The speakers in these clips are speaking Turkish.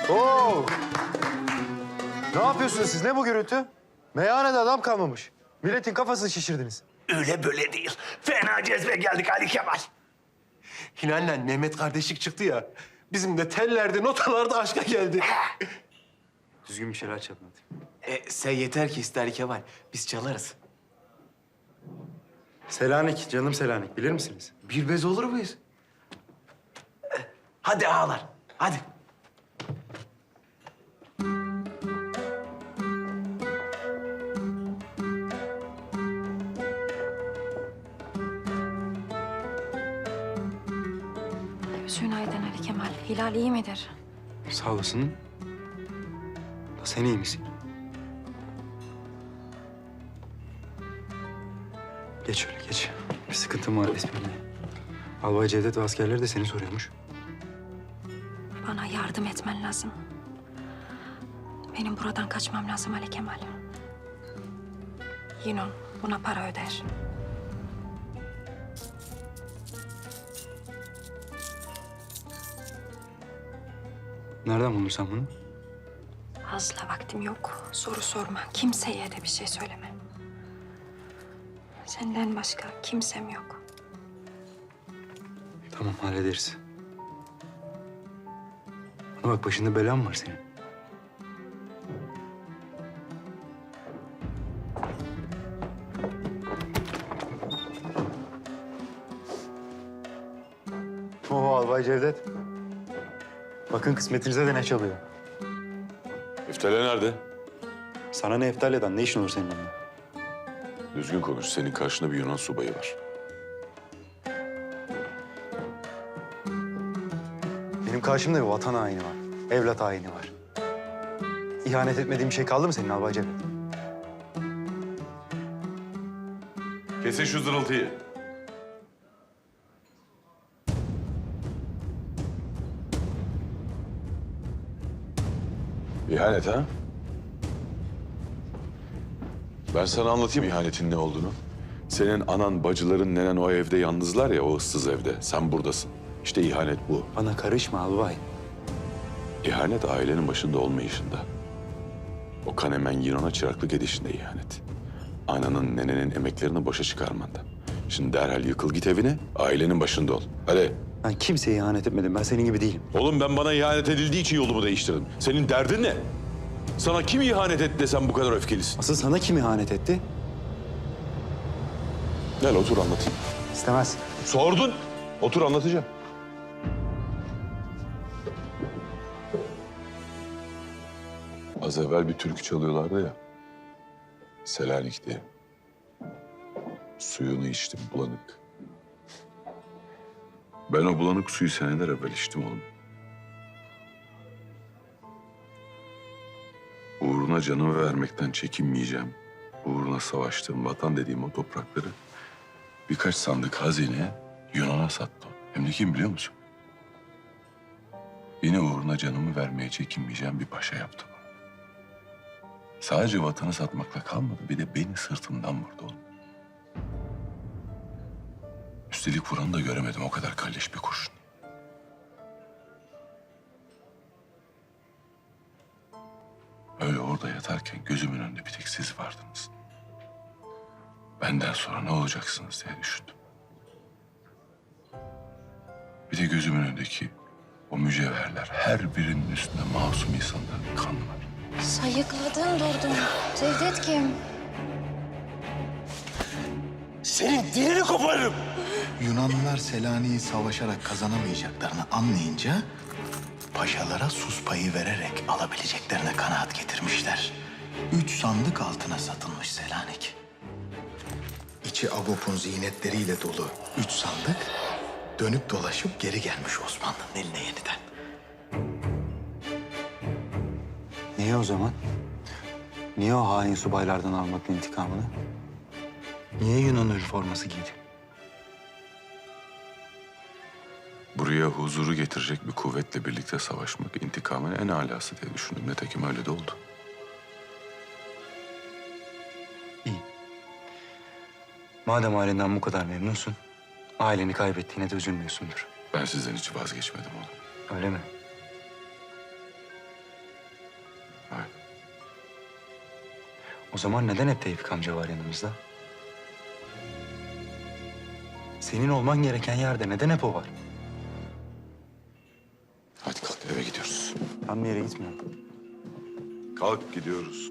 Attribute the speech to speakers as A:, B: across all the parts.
A: Oo! Ne yapıyorsunuz siz? Ne bu gürültü? Meyhanede adam kalmamış. Milletin kafasını şişirdiniz.
B: Öyle böyle değil. Fena cezbe geldik Ali Kemal.
C: Hilal'le Mehmet kardeşlik çıktı ya. Bizim de tellerde, notalarda aşka geldi.
A: Düzgün bir şeyler çalın hadi.
C: Sen yeter ki iste Ali Kemal. Biz çalarız.
A: Selanik, canım Selanik. Bilir misiniz?
C: Bir bez olur muyuz? Hadi ağalar, hadi.
D: Gözün aydın Ali Kemal. Hilal iyi midir?
A: Sağ olasın. Da sen iyi misin? Geç şöyle, geç. Bir sıkıntım var esprili. Albay Cevdet ve askerleri de seni soruyormuş.
D: Bana yardım etmen lazım. Benim buradan kaçmam lazım Ali Kemal. Yinon buna para öder.
A: Nereden buldun sen bunu?
D: Fazla vaktim yok. Soru sorma. Kimseye de bir şey söyleme. Senden başka kimsem yok.
A: Tamam, hallederiz. Bana bak, başında belan var senin. Oo, Albay Cevdet. Bakın kısmetinize de ne çalıyor.
E: Eftale nerede?
A: Sana ne Eftalya'dan? Ne işin olur senin onunla?
E: Düzgün konuş. Senin karşında bir Yunan subayı var.
A: Benim karşımda bir vatan haini var. Evlat haini var. İhanet etmediğim bir şey kaldı mı senin Albay Cevdet?
E: Kesin şu zırıltıyı. İhanet ha? Ben sana anlatayım ihanetin ne olduğunu. Senin anan, bacıların, nenen o evde yalnızlar ya, o ıssız evde. Sen buradasın. İşte ihanet bu.
A: Bana karışma albay.
E: İhanet ailenin başında olmayışında. O Kanemen Yunan'a çıraklık edişinde ihanet. Ananın, nenenin emeklerini boşa çıkarmanda. Şimdi derhal yıkıl git evine, ailenin başında ol. Hadi.
A: Ben kimseye ihanet etmedim. Ben senin gibi değilim.
E: Oğlum ben bana ihanet edildiği için yolumu değiştirdim. Senin derdin ne? Sana kim ihanet etti de sen bu kadar öfkelisin?
A: Asıl sana kim ihanet etti?
E: Gel otur anlatayım.
A: İstemez.
E: Sordun. Otur anlatacağım. Az evvel bir türkü çalıyorlardı ya. Selanik'te. Suyunu içtim bulanık. Ben o bulanık suyu seneler evvel içtim oğlum. Uğruna canımı vermekten çekinmeyeceğim. Uğruna savaştığım vatan dediğim o toprakları birkaç sandık hazine Yunan'a sattım. Hem de kim biliyor musun? Yine uğruna canımı vermeye çekinmeyeceğim bir paşa yaptım. Sadece vatanı satmakla kalmadı, bir de beni sırtımdan vurdu oğlum. Üstelik vuranı da göremedim, o kadar kalleş bir kurşun. Öyle orada yatarken gözümün önünde bir tek siz vardınız. Benden sonra ne olacaksınız diye düşündüm. Bir de gözümün önündeki o mücevherler, her birinin üstünde masum insanların kanı var.
D: Sayıkladın durdun. Cevdet kim?
B: Senin dilini koparırım.
F: Yunanlılar Selanik'i savaşarak kazanamayacaklarını anlayınca paşalara sus payı vererek alabileceklerine kanaat getirmişler. 3 sandık altına satılmış Selanik. İçi Agop'un ziynetleriyle dolu 3 sandık dönüp dolaşıp geri gelmiş Osmanlı'nın eline yeniden.
A: Niye o zaman? Niye o hain subaylardan almadın intikamını? Niye Yunan üniforması giydin?
E: Buraya huzuru getirecek bir kuvvetle birlikte savaşmak intikamın en alası diye düşündüm. Nitekim öyle de oldu.
A: İyi. Madem ailenden bu kadar memnunsun, aileni kaybettiğine de üzülmüyorsundur.
E: Ben sizden hiç vazgeçmedim oğlum.
A: Öyle mi? O zaman neden hep Tevfik amca var yanımızda? Senin olman gereken yerde neden hep o var?
E: Hadi kalk eve gidiyoruz.
A: Ben bir yere gitmiyorum.
E: Kalk gidiyoruz.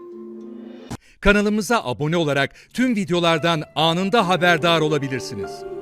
G: Kanalımıza abone olarak tüm videolardan anında haberdar olabilirsiniz.